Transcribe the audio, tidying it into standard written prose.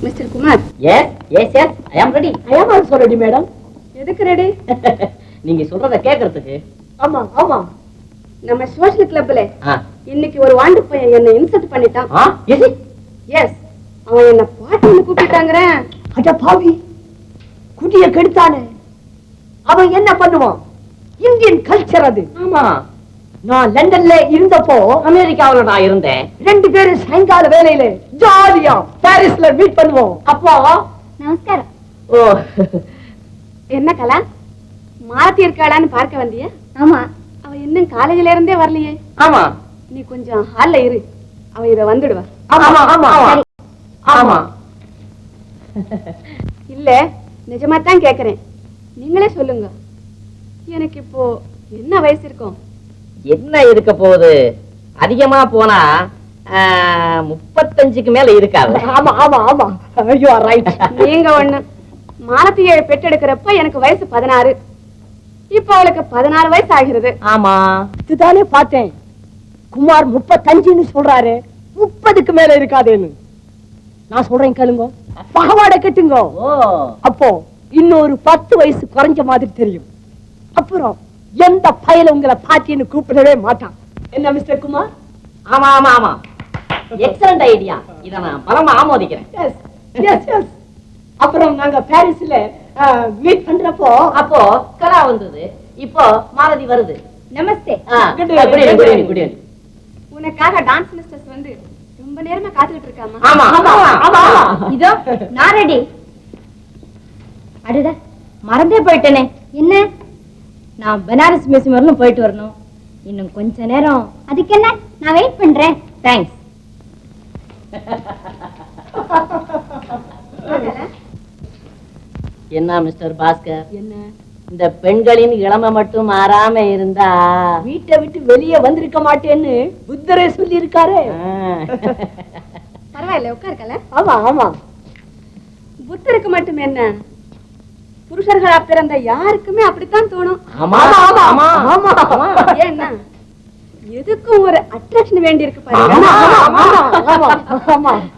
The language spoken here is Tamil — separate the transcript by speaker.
Speaker 1: Mister Kumar.
Speaker 2: Yes yes yes I am ready.
Speaker 3: I am also ready madam.
Speaker 1: எதுக்கு ரெடி?
Speaker 2: நீங்க சொல்றத கேக்குறதுக்கு.
Speaker 3: ஆமா ஆமா.
Speaker 1: நம்ம சோஷியல் கிளப்ல இன்னைக்கு ஒரு வாண்டு பையன் என்ன இன்சல்ட் பண்ணிட்டான். எஸ், அவன் என்ன பாட்டின்னு கூப்பிட்டாங்கற.
Speaker 3: அட பாவி, குடிய கெடுத்தானே. அவன் என்ன பண்ணுவான்? இந்தியன் கல்ச்சர் அது.
Speaker 2: ஆமா,
Speaker 3: நான் லண்டன்ல இருந்தப்போ
Speaker 2: அமெரிக்காவுல நான் இருந்தேன்.
Speaker 3: 2 பேரும் சாயங்கால வேலையில ஜாலியா பாரிஸ்ல மீட் பண்ணுவோம். அப்போ
Speaker 1: நமஸ்காரம். ஓ, என்ன கலா, மாலத்தி இருக்காளான்னு பார்க்க வந்தியா? ஆமா. அவ இன்னும் காலேஜ்ல இருந்தே வரலையே.
Speaker 2: ஆமா,
Speaker 1: நீ கொஞ்சம் ஹால்ல இரு, அவ இத வந்துடுவா.
Speaker 3: ஆமா ஆமா ஆமா.
Speaker 1: இல்ல, நிஜமா தான் கேக்குறேன், நீங்களே சொல்லுங்க. எனக்கு இப்போ என்ன வயசு இருக்கும்?
Speaker 2: என்ன இருக்க போகுது? அதிகமா போனா 35க்கு மேல இருக்காது.
Speaker 3: ஆமா ஆமா ஆமா, யூ ஆர் ரைட்.
Speaker 1: நீங்க ஒண்ணு, மாலத்தியை பெற்றெடுக்கிறப்ப எனக்கு வயசு 16, இப்ப அவளுக்கு 16 வயசு ஆகிறது.
Speaker 2: ஆமா,
Speaker 3: இதுதானே பார்த்தேன். குமார் 35ன்னு சொல்றாரு, 30க்கு மேல இருக்காதேன்னு. நான் சொல்றேன் கேளுங்க, பாவாடை கட்டுங்க. அப்போ இன்னொரு 10 வயசு குறைஞ்ச மாதிரி தெரியும். அப்புறம் எந்த பயல உங்களை பாட்டின்னு கூப்பிடவே மாட்டான். என்ன மிஸ்டர் குமார்?
Speaker 2: ஆமா ஆமா ஆமா, எக்ஸலண்ட் ஐடியா. இத நான் பலமா ஆமோதிக்கிறேன்.
Speaker 3: S yes S. அப்புறம் நாங்க பாரிஸ்ல மீட் பண்றப்போ
Speaker 2: அப்போ கலா வந்தது, இப்போ மாலதி வருது.
Speaker 1: நமஸ்தே.
Speaker 2: Good evening. Good evening.
Speaker 1: உனக்காக டான்ஸ் மிஸ்டர்ஸ் வந்து ரொம்ப நேரமா காத்துக்கிட்டு இருக்காமா?
Speaker 2: ஆமா ஆமா ஆமா.
Speaker 1: இதோ நான் ரெடி. அடடா, மறந்தே போயிட்டேனே. என்ன? நான் பனாரஸ் மியூசியம் வரணும், போயிட்டு வரணும். இன்னும் கொஞ்ச நேரம். அதுக்கு என்ன, நான் வெயிட் பண்றேன். தேங்க்ஸ்.
Speaker 2: என்ன மிஸ்டர் பாஸ்கர்,
Speaker 3: என்ன
Speaker 2: இந்த பெண்களின் இளமை மட்டும் மாறாம இருந்தா
Speaker 3: வீட்டை விட்டு வெளியே வந்திருக்க மாட்டேன்னு புத்தரே சொல்லி இருக்காரு.
Speaker 1: பரவாயில்ல, உட்காருக்கல.
Speaker 3: ஆமா ஆமா.
Speaker 1: புத்தருக்கு மட்டும் என்ன, புருஷர்களா பிறந்த யாருக்குமே அப்படித்தான் தோணும்.
Speaker 2: ஆமா ஆமா ஆமா ஆமா.
Speaker 1: ஏன்னா எதுக்கும் ஒரு அட்ராக்ஷன் வேண்டி இருக்கு
Speaker 3: பாருங்க.